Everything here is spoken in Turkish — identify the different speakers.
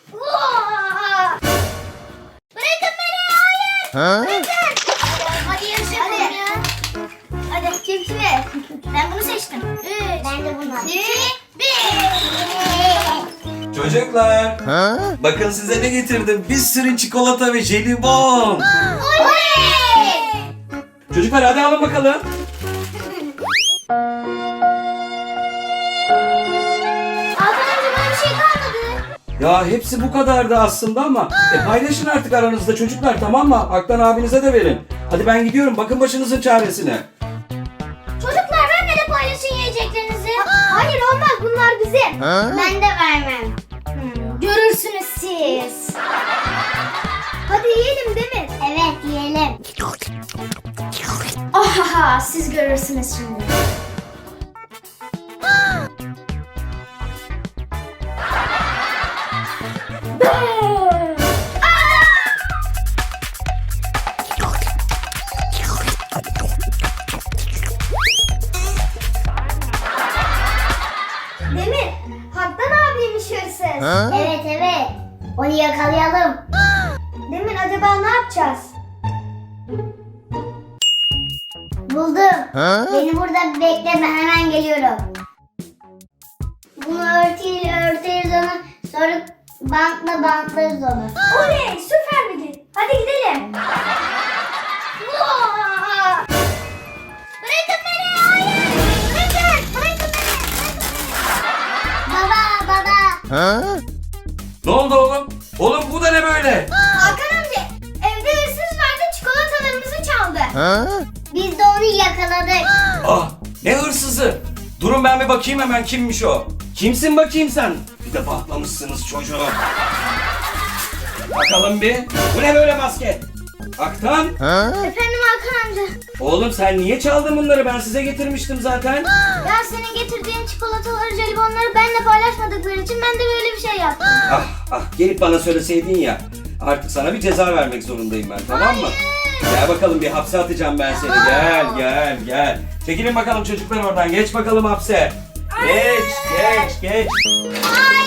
Speaker 1: Bırakın beni, hayır. Bırakın. Hadi yarışalım ya. Hadi kim kime? Ben bunu seçtim. 3. Ben de bunu. 2, 1.
Speaker 2: Çocuklar, bakın size ne getirdim. Bir sürü çikolata ve jelibon.
Speaker 1: Oley!
Speaker 2: Çocuklar hadi alın bakalım.
Speaker 1: Hakan amca bana bir şey kalmadı.
Speaker 2: Ya hepsi bu kadardı aslında ama paylaşın artık aranızda çocuklar, tamam mı? Aktan abinize de verin. Hadi ben gidiyorum, bakın başınızın çaresine.
Speaker 1: Çocuklar benimle de paylaşın yiyeceklerinizi. Hayır olmaz, bunlar bizim. Ben de vermem. Görürsünüz siz. Hadi yiyelim Demir. Evet yiyelim. Oha, siz görürsünüz şimdi. Demir, Haktan abiymiş hırsız. Evet evet. Onu yakalayalım. Demir, acaba ne yapacağız? Buldum. Beni burada bekleme, hemen geliyorum. Bunu örtüyle örteriz onu. Sonra bantla bantlarız onu. Oley, süper bilgi. Hadi gidelim. Bırakın beni, hayır. Bırakın beni. Baba, baba.
Speaker 2: Ne oldu oğlum? Oğlum bu da ne böyle?
Speaker 1: Hakan amca, evde hırsız vardı, çikolatalarımızı çaldı. Biz de onu yakaladık.
Speaker 2: Ah, ne hırsızı? Durun ben bir bakayım hemen, kimmiş o? Kimsin bakayım sen? Bir de patlamışsınız çocuğu. Bakalım bir. Bu ne böyle maske? Aktan?
Speaker 1: Efendim Hakan amca.
Speaker 2: Oğlum sen niye çaldın bunları? Ben size getirmiştim zaten.
Speaker 1: Ya senin getirdiğin çikolataları, jelibonları benimle paylaşmadıkları için ben de böyle bir şey yaptım.
Speaker 2: Ah ah, gelip bana söyleseydin ya. Artık sana bir ceza vermek zorundayım ben, tamam mı? Gel bakalım, bir hapse atacağım ben seni. Gel. Çekilin bakalım çocuklar oradan. Geç bakalım hapse. Geç.
Speaker 1: Hayır.